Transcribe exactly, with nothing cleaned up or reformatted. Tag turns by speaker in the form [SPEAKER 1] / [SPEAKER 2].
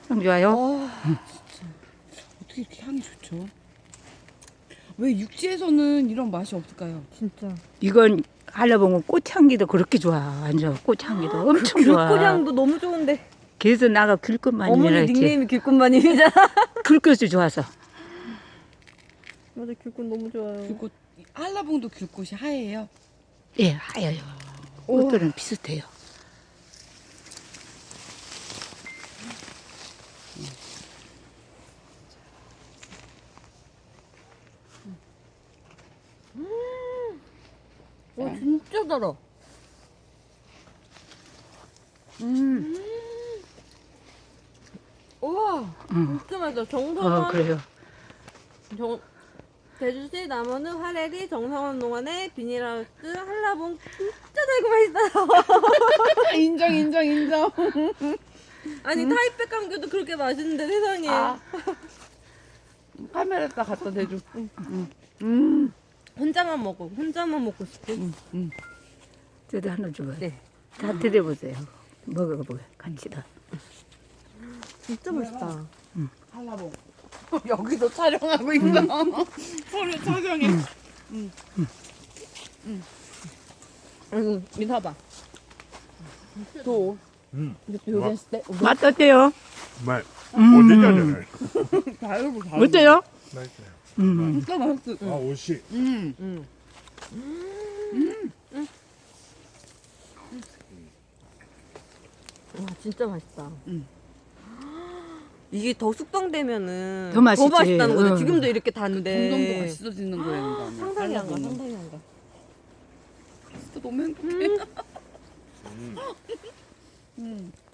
[SPEAKER 1] 향 좋아요?
[SPEAKER 2] 와, 진짜. 어떻게 이렇게 향이 좋죠? 왜 육지에서는 이런 맛이 없을까요?
[SPEAKER 3] 진짜.
[SPEAKER 1] 이건 알라봉은 꽃향기도 그렇게 좋아. 완전 꽃향기도 엄청 좋아.
[SPEAKER 3] 귤꽃향도 너무 좋은데.
[SPEAKER 1] 그래서 나가 귤꽃만이라
[SPEAKER 3] 어머니
[SPEAKER 1] 했지.
[SPEAKER 3] 닉네임이 귤꽃마님이잖아.
[SPEAKER 1] 귤꽃이 좋아서.
[SPEAKER 3] 맞아, 귤꽃 너무 좋아요.
[SPEAKER 2] 귤꽃, 한라봉도 귤꽃이 하얘요.
[SPEAKER 1] 예, 하여요. 꽃들은 비슷해요.
[SPEAKER 3] 와, 진짜 달아.
[SPEAKER 2] 음.
[SPEAKER 3] 우와,
[SPEAKER 1] 응.
[SPEAKER 3] 진짜 맛있어. 정성원.
[SPEAKER 1] 어, 그래요.
[SPEAKER 3] 정, 제주시 남원읍 하레리 정성원 농원의 비닐하우스 한라봉 진짜 달고 맛있어요.
[SPEAKER 2] 인정, 인정, 인정.
[SPEAKER 3] 아니 타이백 감귤도 그렇게 맛있는데 세상에.
[SPEAKER 2] 아. 카메라에다 갖다 대줘. 응. 응. 음.
[SPEAKER 3] 혼자만 먹어. 혼자만 먹고 싶어.
[SPEAKER 2] 응. 응.
[SPEAKER 1] 저도 하나 줘봐요.
[SPEAKER 3] 네.
[SPEAKER 1] 다 드려보세요. 먹어보고 같이 다.
[SPEAKER 3] 진짜 맛있다.
[SPEAKER 2] 한라봉. 여기도 촬영하고 있어. 서로 촬영해. 응.
[SPEAKER 3] 아이고, 민사봐.
[SPEAKER 2] 또.
[SPEAKER 4] 음,
[SPEAKER 2] 여기 했을 때.
[SPEAKER 1] 맛 어때요?
[SPEAKER 4] 정말
[SPEAKER 1] 음.
[SPEAKER 4] 어디잖아요.
[SPEAKER 2] 다르고 다르고.
[SPEAKER 1] 어때요?
[SPEAKER 4] 맛있어요.
[SPEAKER 1] 음.
[SPEAKER 2] 진짜 맛있어.
[SPEAKER 4] 아, 옷이
[SPEAKER 2] 음.
[SPEAKER 3] 응. 와, 진짜 맛있다.
[SPEAKER 2] 응.
[SPEAKER 3] 이게 더 숙성되면은
[SPEAKER 1] 더 맛있지.
[SPEAKER 3] 맛있다는 거죠.
[SPEAKER 1] 응.
[SPEAKER 3] 지금도 이렇게 단데.
[SPEAKER 2] 점점 더 맛있어지는 거라는 거 아니야?
[SPEAKER 3] 상상이 안 가.
[SPEAKER 2] 한라봉은.
[SPEAKER 3] 상상이 안 가.
[SPEAKER 2] 진짜 너무 행복해. 음.